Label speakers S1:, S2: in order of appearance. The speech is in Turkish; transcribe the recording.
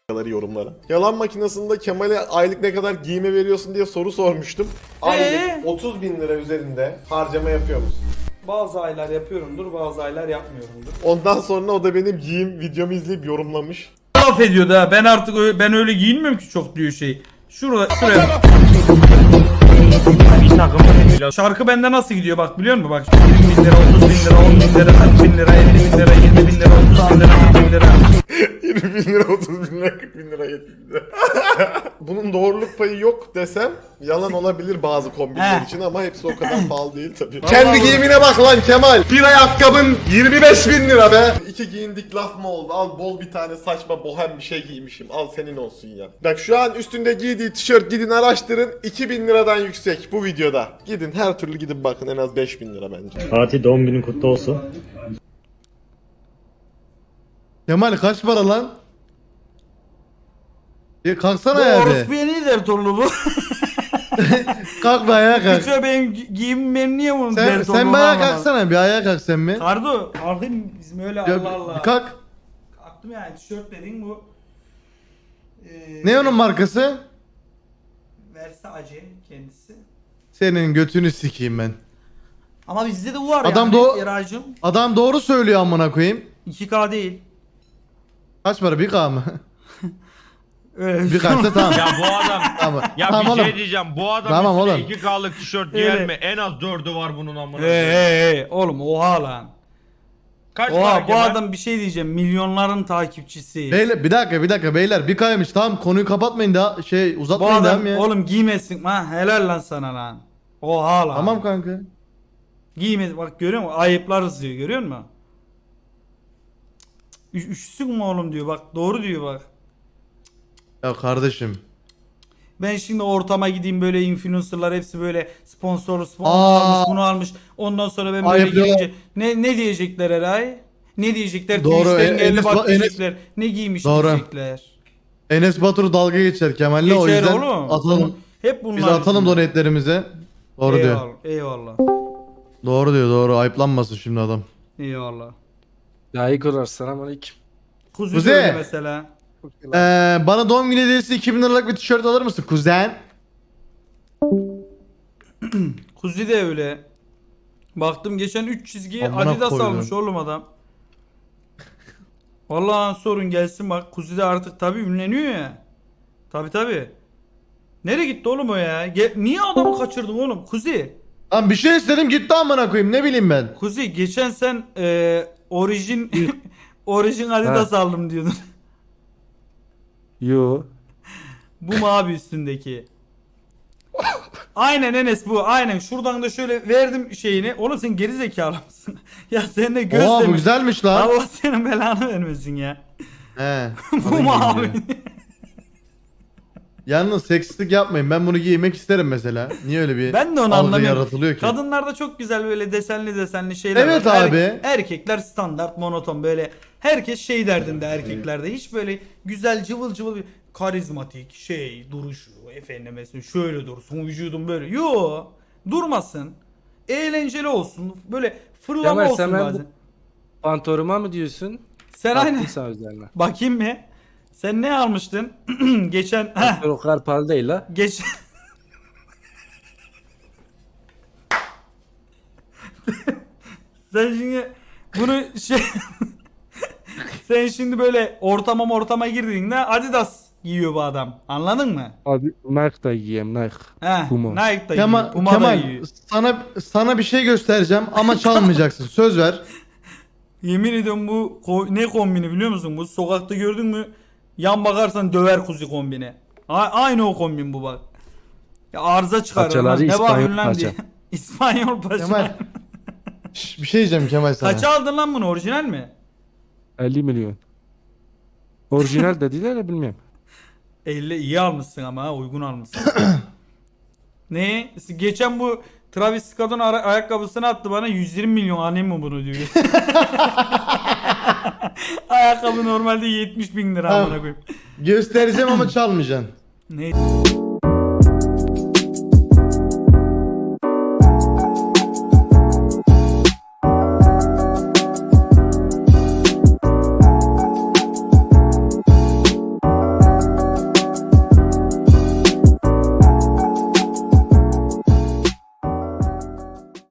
S1: yorumlara. Yalan makinesinde Kemal'e aylık ne kadar giyime veriyorsun diye soru sormuştum. Aylık 30 bin lira üzerinde harcama yapıyor musun?
S2: Bazı aylar yapıyorumdur, bazı aylar yapmıyorumdur.
S1: Ondan sonra o da benim giyim videomu izleyip yorumlamış.
S3: Laf ediyordu ha. Ben artık ben öyle giyinmiyorum ki çok diyor şey. Şuraya. Şarkı bende nasıl gidiyor bak biliyor musun? Bak 20 bin lira, 30 bin lira, 10 bin lira, 40 bin lira, 50 bin lira, 20 bin lira, 30 bin lira, 40 bin lira.
S1: 20 bin lira, 30 bin lira, 40 bin lira, 70 bin lira. Bunun doğruluk payı yok desem yalan olabilir bazı kombinler için ama hepsi o kadar pahalı değil tabii. Kendi giyimine bak lan Kemal. Bir ayakkabın 25 bin lira be. İki giyindik laf mı oldu? Al bol bir tane saçma bohem bir şey giymişim. Al senin olsun ya. Bak şu an üstünde giydiği tişört gidin araştırın. 2000 liradan yüksek bu videoda. Gidin her türlü gidin bakın en az 5000 lira bence.
S4: Fatih doğum günün kutlu olsun.
S5: Kemal kaç para lan? Kalksana
S3: Bu
S5: ya be.
S3: orospuya niye dert oldu bu?
S5: Kalk be ayağa kalk.
S3: Hiç benim giyimim benim niye bunun dert oldu?
S5: Sen bir ayağa kalksana, bir ayağa kalk sen mi?
S3: Kardo, kalkayım bizim öyle
S5: Ya,
S3: Allah Allah.
S5: bir kalk.
S3: Kalktım yani tişört dediğin bu.
S5: Ne onun markası?
S3: Versace kendisi.
S5: Senin götünü sikeyim ben.
S3: Ama bizde de bu var
S5: Adam
S3: yani.
S5: da-
S3: Eraycığım.
S5: Adam doğru söylüyor amına koyayım.
S3: 2K değil.
S5: Kaç para? 1K mı?
S3: Öyle
S5: 1K'sa tamam.
S6: Ya bu adam
S5: Tamam.
S6: ya
S5: Tamam
S6: bir
S5: oğlum.
S6: şey diyeceğim. Bu adam
S5: Tamam
S6: üstüne
S5: oğlum.
S6: 2K'lık tişört giyer
S3: Öyle.
S6: mi? En az 4'ü var bunun amına.
S3: Hey oğlum oha lan.
S6: Kaç
S3: Oha
S6: para
S3: bu
S6: Kemal?
S3: adam bir şey diyeceğim milyonların takipçisi.
S5: Beyler bir dakika beyler 1K'ymış tamam konuyu kapatmayın da
S3: Bu
S5: uzatmayın
S3: adam
S5: devam ya.
S3: oğlum giymesin ha helal lan sana lan. Oha lan.
S5: Tamam kanka.
S3: Giyme bak görüyor musun? Ayıplarız diyor görüyor musun? Üşüsün mü oğlum diyor bak doğru diyor bak.
S5: Ya kardeşim.
S3: Ben şimdi ortama gideyim böyle influencerlar hepsi böyle sponsorlu
S5: Aa.
S3: almış bunu almış. Ondan sonra ben böyle
S5: Ayıp ya.
S3: giyince ne diyecekler Eray? Ne diyecekler?
S5: Doğru,
S3: Twitch'ten geldi
S5: Enes-
S3: bak
S5: Enes-
S3: diyecekler. Ne giymiş
S5: Doğru.
S3: diyecekler.
S5: Enes Batur dalga geçer Kemal'le o
S3: Geçer
S5: yüzden
S3: oğlum.
S5: atalım.
S3: Hep bunlar.
S5: Biz atalım
S3: yüzünden.
S5: donetlerimize. Doğru diyor.
S3: Eyvallah, eyvallah.
S5: Doğru diyor doğru ayıplanmasın şimdi adam.
S3: Eyvallah.
S7: Ya Igor selamünaleyküm.
S3: Kuzu
S5: Kuzey.
S3: böyle mesela.
S5: Bana doğum günü hediyesi 2000 liralık bir tişört alır mısın kuzen?
S3: Kuzu de öyle. Baktım geçen 3 çizgi
S5: Amına
S3: Adidas
S5: koydum.
S3: almış oğlum adam. Vallahi sorun gelsin bak. Kuzu de artık tabi ünleniyor ya. Tabi. Nereye gitti oğlum o ya? Niye adamı kaçırdın oğlum? Kuzi.
S5: Lan bir şey istedim gitti amına koyayım ne bileyim ben.
S3: Kuzi geçen sen orijin orijin Adidas aldım diyordun.
S7: Yo.
S3: Bu mu abi üstündeki? Aynen Enes bu aynen şuradan da şöyle verdim şeyini. Oğlum sen geri zekalı mısın? Ya sen de göz
S5: Oha bu
S3: demiş.
S5: güzelmiş lan.
S3: Allah senin belanı vermesin ya.
S5: He.
S3: Bu mu abi?
S5: Yalnız seksistlik yapmayın ben bunu giymek isterim mesela. Niye öyle bir
S3: Ben de onu
S5: algı
S3: anlamıyorum.
S5: yaratılıyor ki?
S3: Kadınlarda çok güzel böyle desenli şeyler
S5: Evet
S3: var.
S5: abi.
S3: Erkekler standart monoton böyle. Herkes şey derdinde erkeklerde. Hiç böyle güzel cıvıl bir karizmatik şey duruşu efendim mesela şöyle dursun vücudum böyle. Yo durmasın. Eğlenceli olsun. Böyle fırlama
S7: Kemal,
S3: olsun
S7: sen ben
S3: bazen.
S7: Pantoruma mı diyorsun?
S3: Sen aynen.
S7: Haklısın üzerine.
S3: Bakayım mı? Sen ne almıştın? Geçen
S7: O kadar pahalı değil la.
S3: geç Sen şimdi bunu şey sen şimdi böyle ortama girdiğinde Adidas giyiyor bu adam. Anladın mı?
S7: Abi Nike da giyeyim Nike.
S3: He.
S7: Puma.
S3: Nike da
S5: Kemal,
S3: giyiyor. Puma da
S5: Kemal
S3: giyiyor.
S5: sana bir şey göstereceğim ama çalmayacaksın söz ver.
S3: Yemin ediyorum bu ne kombini biliyor musun? Bu sokakta gördün mü? Yan bakarsan döver kuzu kombini. Aynı o kombin bu bak. Ya arıza çıkarır.
S7: Paçaları
S3: lan. Ne
S7: İspanyol
S3: bakıyorsun lan
S7: paça.
S3: diye. İspanyol paça.
S5: Kemal. Bir şey diyeceğim Kemal sana.
S3: Kaça aldın lan bunu? Orijinal mi?
S7: 50 milyon. Orijinal dediler de bilmiyorum.
S3: 50 iyi almışsın ama ha, uygun almışsın. Ne? Geçen bu Travis Scott'un ayakkabısını attı bana 120 milyon annem mi bunu diyor. Ayakkabı normalde 70 bin lira amına koyayım.
S5: Göstereceğim ama çalmayacaksın.
S3: Ne?